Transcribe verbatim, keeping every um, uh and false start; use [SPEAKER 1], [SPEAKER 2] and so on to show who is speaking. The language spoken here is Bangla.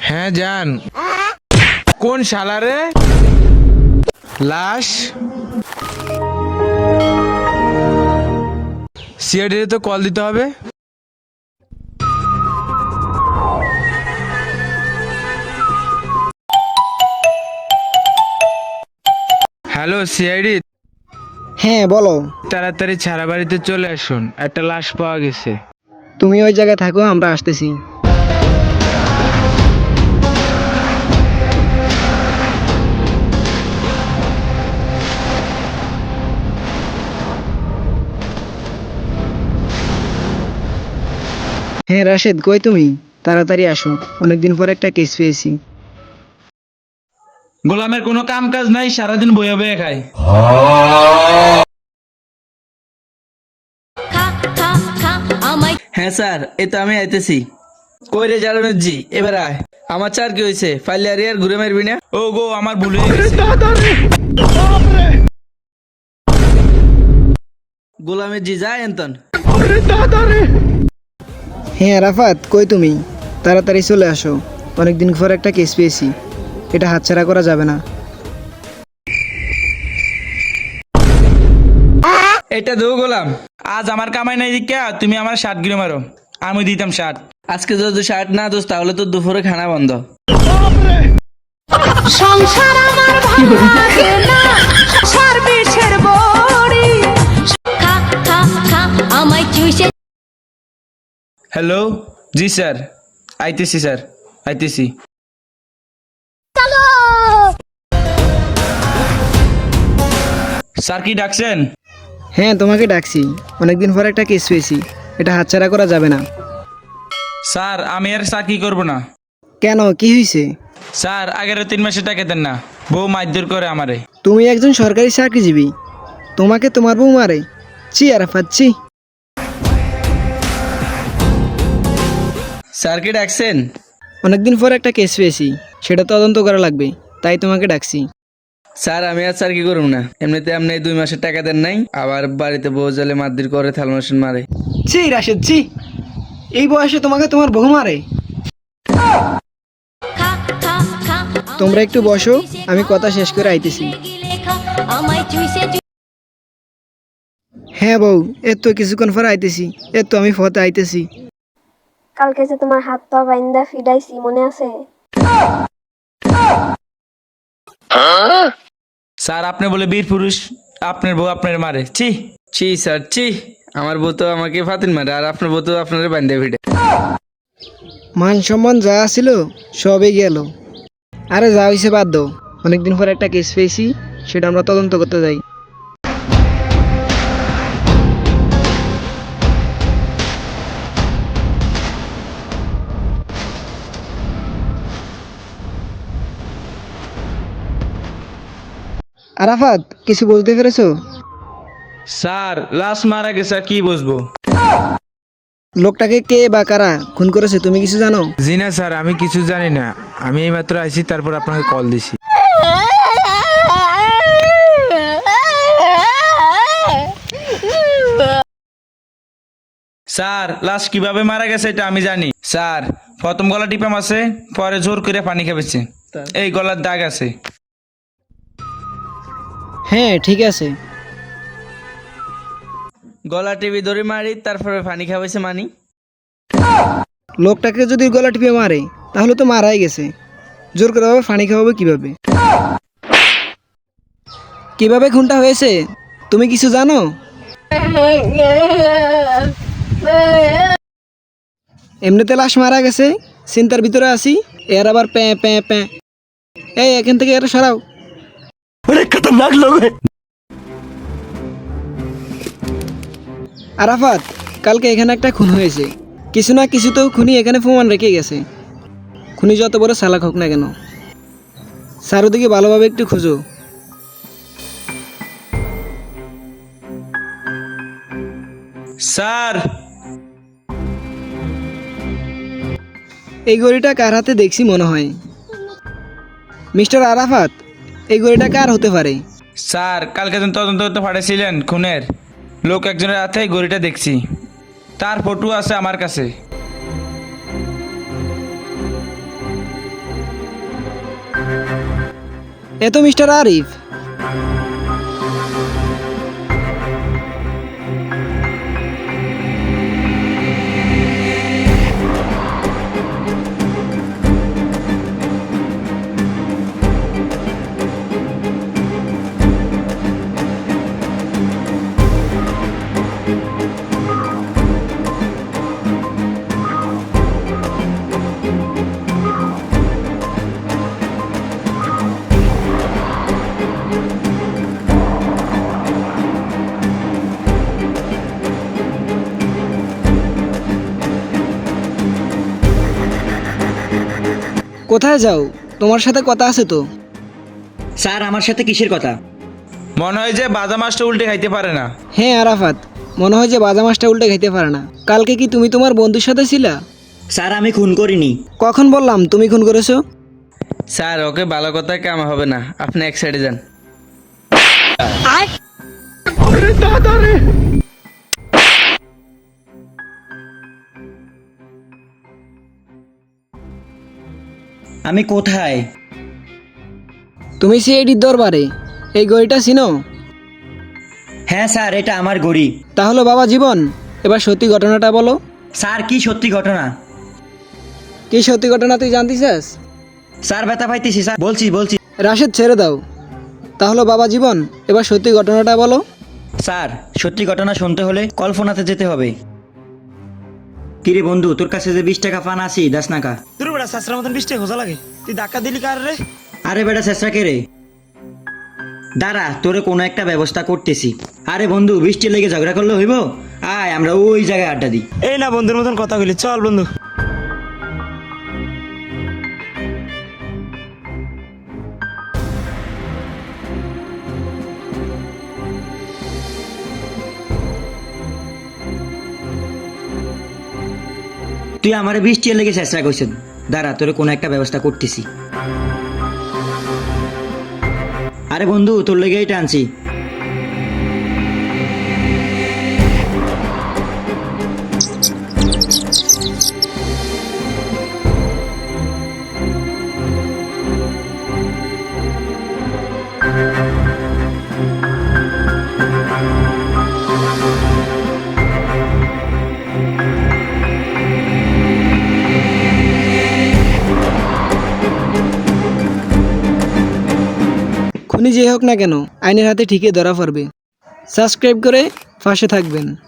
[SPEAKER 1] হ্যাঁ যান। কোন শালারে? লাশ সিআইডি তো কল দিতে হবে। হ্যালো সিআইডি,
[SPEAKER 2] হ্যাঁ বলো।
[SPEAKER 1] তাড়াতাড়ি ছাড়া বাড়িতে চলে আসুন, একটা লাশ পাওয়া গেছে।
[SPEAKER 2] তুমি ওই জায়গায় থাকো, আমরা আসতেছি। হ্যাঁ রাশেদ, কই তুমি? তাড়াতাড়ি আসো, অনেকদিন পর একটা কেস পেয়েছি।
[SPEAKER 3] গোলামের কোনো কাম কাজ নাই, সারাদিন বইয়া বইয়া খায়।
[SPEAKER 4] হ্যাঁ স্যার, এই তো আমি আইতেছি। কই রে জারানুর জি, এবার আয়। আমার চার কি হয়েছে? ফাইলে আর ঘুরে মারবি না?
[SPEAKER 3] ও গো, আমার ভুল হয়ে গেছে।
[SPEAKER 4] গোলামের জি যায় এন্তন।
[SPEAKER 2] হ্যাঁ রাফাত, কই তুমি? তাড়াতাড়ি চলে আসো, অনেকদিন পর একটা কেস পেয়েছি, এটা হাতছাড়া করা যাবে না।
[SPEAKER 3] এটা দো গোলাম, আজ আমার কামাই নাই দিকা তুমি আমার শার্ট গিরে মারো, আমি দিতাম শার্ট।
[SPEAKER 4] আজকে যদি শার্ট না দোস তাহলে তো দুপুরে খানা বন্ধ।
[SPEAKER 5] সংসার আমার ভালো লাগে না, সার্ভিসের বড়ি খা খা খা আমায় চুষে।
[SPEAKER 3] হ্যালো, জি স্যার, আইতেছি স্যার, আইতেছি। স্যার কি ডাকছেন?
[SPEAKER 2] হ্যাঁ তোমাকে ডাকছি, অনেকদিন পর একটা কেস পেয়েছি, এটা হাতছাড়া করা যাবে না।
[SPEAKER 3] স্যার আমি আর চাকরি করবো না।
[SPEAKER 2] কেন, কি হয়েছে?
[SPEAKER 3] স্যার আগের তিন মাসে টাকা দেন না, বউ মারধর করে আমারে।
[SPEAKER 2] তুমি একজন সরকারি চাকরিজীবী, তোমাকে তোমার বউ মারে? চি আরাফাত চি।
[SPEAKER 4] স্যার কি ডাকছেন?
[SPEAKER 2] অনেকদিন পর একটা কেস পেয়েছি, সেটা তদন্ত করা লাগবে, তাই তোমাকে ডাকছি।
[SPEAKER 4] স্যার আমি আর স্যার কি করব না, এমনিতে আপনি দুই মাসের টাকা দেন নাই, আবার বাড়িতে বউ জালে মারধর করে, থালমাসন মারে।
[SPEAKER 2] চি রাশেদ চি, এই বয়সে তোমাকে তোমার বউ মারে?
[SPEAKER 5] খা খা খা
[SPEAKER 2] তোমরা একটু বসো, আমি কথা শেষ করে আইতেছি।
[SPEAKER 5] আমায় চুষে।
[SPEAKER 2] হ্যাঁ বউ, এর তো কিছুক্ষণ পর আইতেছি, এর তো আমি ফতে আইতেছি।
[SPEAKER 6] কালকে যে তোমার হাত পা বাইন্দা ফিডাইছি মনে আছে?
[SPEAKER 3] স্যার আপনি বলে বীর পুরুষ, আপনার বউ আপনার মারে? ছি।
[SPEAKER 4] ছি স্যার ছি, আমার বউ তো আমাকে ফাতিন মারে, আর আপনার বউ তো আপনার বান্ধে ভিড়ে।
[SPEAKER 2] মান সম্মান যা ছিল সবই গেল। আরে যা হয়েছে বাদ দাও, অনেকদিন পর একটা কেস পেয়েছি, সেটা আমরা তদন্ত করতে যাই। আরাফাত, কিছু বলতে পেরেছো?
[SPEAKER 3] স্যার লাশ মারা গেছে, আর কি বুঝবো?
[SPEAKER 2] লোকটাকে কে বা কারা খুন করেছে তুমি কিছু জানো?
[SPEAKER 1] জি না স্যার, আমি কিছু জানি না, আমি এইমাত্র আইছি, তারপর আপনাকে কল দিছি।
[SPEAKER 3] স্যার লাশ কিভাবে মারা গেছে এটা আমি জানি। স্যার প্রথম গলা টিপাম আছে, পরে জোর করে পানি খাবেছে, এই গলার দাগ আছে।
[SPEAKER 2] হ্যাঁ ঠিক আছে।
[SPEAKER 4] গলা টিভি ধরে মারি, তারপরে পানি খাওয়াইছে মানি।
[SPEAKER 2] লোকটাকে যদি গলা টিপে মারে তাহলে তো মারাই গেছে, জোর করে আবার পানি খাওয়াবে কিভাবে? কিভাবে খুনটা হয়েছে তুমি কিছু জানো? এমনিতে লাশ মারা গেছে, চিন্তার ভিতরে আছি, এর আবার প্যাঁ প্যাঁ প্যাঁ। এই এখান থেকে এর সরাও। আরাফাত, কালকে এখানে একটা খুন হয়েছে, কিছু না কিছু তো খুনি এখানে প্রমাণ রেখে গেছে। খুনি যত বড় চালাক হোক না কেন, চারোদিকে ভালোভাবে একটু খুঁজো।
[SPEAKER 3] স্যার
[SPEAKER 2] এই ঘড়িটা কার হাতে দেখছি মনে হয়। মিস্টার আরাফাত, এই ঘড়িটা কার হতে পারে?
[SPEAKER 3] স্যার কালকে যখন তদন্ত করতে পাঠাইছিলেন খুনের, লোক একজনের হাতে এই ঘড়িটা দেখছি, তার ফটো আছে আমার কাছে।
[SPEAKER 2] এ তো মিস্টার আরিফ। কোথায় যাও? তোমার সাথে কথা আছে তো।
[SPEAKER 7] স্যার আমার সাথে কিসের কথা?
[SPEAKER 3] মনে হয় যে বাজা মাছটা উল্টে খাইতে পারে না।
[SPEAKER 2] হ্যাঁ আরাফাত, মনে হয় যে বাজা মাছটা উল্টে খাইতে পারে না। কালকে কি তুমি তোমার বন্ধুর সাথে ছিলা?
[SPEAKER 7] স্যার আমি খুন করিনি।
[SPEAKER 2] কখন বললাম তুমি খুন করেছো?
[SPEAKER 4] স্যার ওকে ভালো কথা কাম হবে না, আপনি এক সাইডে যান।
[SPEAKER 7] আমি কোথায়?
[SPEAKER 2] তুমি সিআইডির দরবারে। এই গড়িটা চিনো?
[SPEAKER 7] হ্যাঁ স্যার, এটা আমার গড়ি।
[SPEAKER 2] তাহলে বাবা জীবন, এবার সত্যি ঘটনাটা বলো।
[SPEAKER 7] স্যার কি সত্যি ঘটনা?
[SPEAKER 2] কি সত্যি ঘটনা তুই জানতে চাস?
[SPEAKER 7] স্যার ব্যথা পাইতেছি স্যার, বলছি বলছি।
[SPEAKER 2] রাশেদ ছেড়ে দাও। তাহলে বাবা জীবন, এবার সত্যি ঘটনাটা বলো।
[SPEAKER 7] স্যার সত্যি ঘটনা শুনতে হলে কল্পনাতে যেতে হবে। কিরে বন্ধু, তোর কাছে যে বিশ টাকা পান আছি দাস নাকা।
[SPEAKER 8] তোর বেটা শাস্ত্রের মতন বৃষ্টি খোঁজা লাগে, তুই ধাক্কা দিলি কার রে?
[SPEAKER 7] আরে বেটা চেষ্টা কে রে? দাঁড়া, তোরে কোনো একটা ব্যবস্থা করতেছি। আরে বন্ধু, বৃষ্টি লেগে ঝগড়া করলে হইব? আয় আমরা ওই জায়গায় আড্ডা দিই।
[SPEAKER 8] এই না বন্ধুর মতন কথা বলি, চল বন্ধু।
[SPEAKER 7] তুই আমারে বৃষ্টি লেগে চেষ্টা করছেন, দাঁড়া তোরে কোনো একটা ব্যবস্থা করতেছি। আরে বন্ধু, তোর লেগেই টানছি।
[SPEAKER 2] খুনি যে হোক না কেন, আইনের হাতে ঠিকই ধরা পড়বে। সাবস্ক্রাইব করে পাশে থাকবেন।